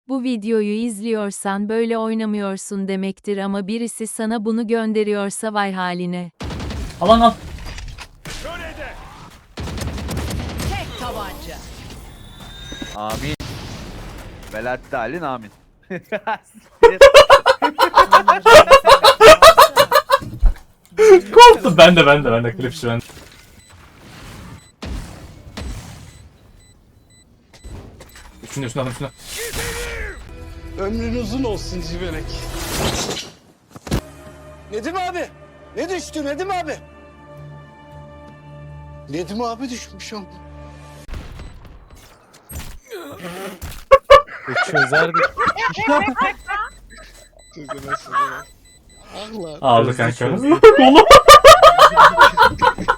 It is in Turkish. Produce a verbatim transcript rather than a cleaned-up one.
Bu videoyu izliyorsan böyle oynamıyorsun demektir ama birisi sana bunu gönderiyorsa vay haline. Alan al. Tek tabanca. Amin. Velatte halin amin. Korktum. Ben de ben de ben de klipçi ben. Üstünde üstünde adam üstünde. Ömrün uzun olsun Civelek. Nedim abi. Ne düştü Nedim abi? Nedim abi düşmüş ama. Çözerdik. Ah lan. Aldı kanka. Kolu.